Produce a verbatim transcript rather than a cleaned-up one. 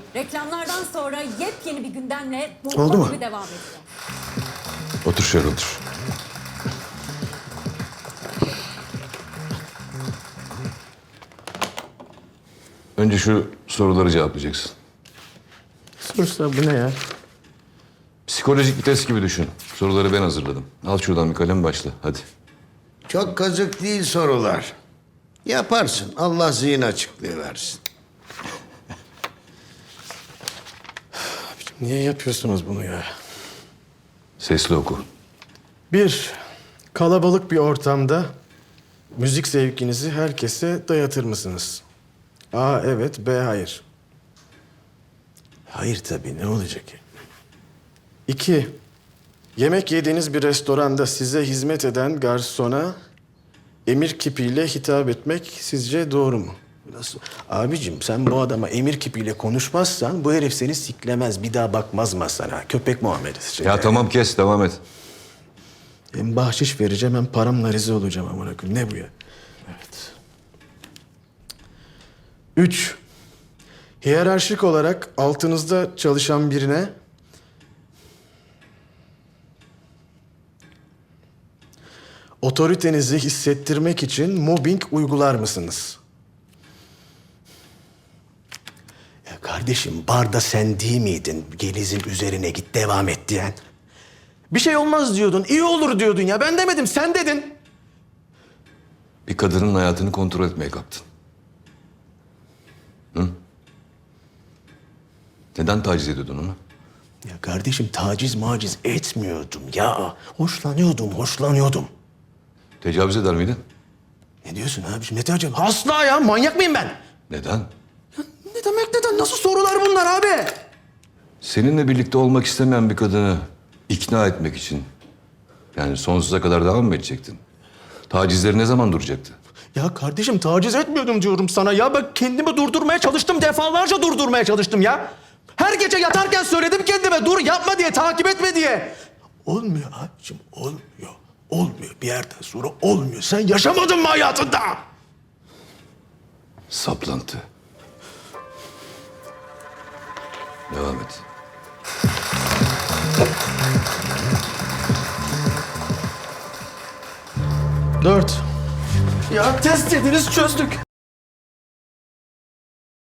Reklamlardan sonra yepyeni bir gündemle Oldu mu? bomba gibi devam ediyor. Otur şöyle otur. Önce şu soruları cevaplayacaksın. Sonuçta bu ne ya? Psikolojik bir test gibi düşün. Soruları ben hazırladım. Al şuradan bir kalem başla. Hadi. Çok kazık değil sorular. Yaparsın. Allah zihin açıklığı versin. Niye yapıyorsunuz bunu ya? Sesli oku. Bir, kalabalık bir ortamda müzik zevkinizi herkese dayatır mısınız? A evet, B hayır. Hayır tabii, ne olacak? İki, yemek yediğiniz bir restoranda size hizmet eden garsona emir kipiyle hitap etmek sizce doğru mu? Nasıl? Abicim sen bu adama emir kipiyle konuşmazsan bu herif seni siklemez, bir daha bakmaz masana. Köpek muamelesi. Ya tamam kes, devam et. Hem bahşiş vereceğim hem paramla rezil olacağım amına koyayım. Ne bu ya? Evet. Üç. Hiyerarşik olarak altınızda çalışan birine otoritenizi hissettirmek için mobbing uygular mısınız? Ya kardeşim barda sen değil miydin? Gelizin üzerine git devam et diyen. Bir şey olmaz diyordun, iyi olur diyordun ya. Ben demedim, sen dedin. Bir kadının hayatını kontrol etmeye kalktın. Hı? Neden taciz ediyordun onu? Ya kardeşim taciz maciz etmiyordum ya. Hoşlanıyordum, hoşlanıyordum. Tecavüz eder miydin? Ne diyorsun abiciğim? Ne tecavüz? Asla ya, manyak mıyım ben? Neden? Ne demek neden? Nasıl sorular bunlar abi? Seninle birlikte olmak istemeyen bir kadını ikna etmek için yani sonsuza kadar devam mı edecektin? Tacizleri ne zaman duracaktı? Ya kardeşim taciz etmiyordum diyorum sana ya. Ben kendimi durdurmaya çalıştım. Defalarca durdurmaya çalıştım ya. Her gece yatarken söyledim kendime dur yapma diye, takip etme diye. Olmuyor abicim, olmuyor. Olmuyor. Bir yerden sonra olmuyor. Sen yaşamadın mı hayatında? Saplantı. Devam et. Dört. Ya test ediniz çözdük.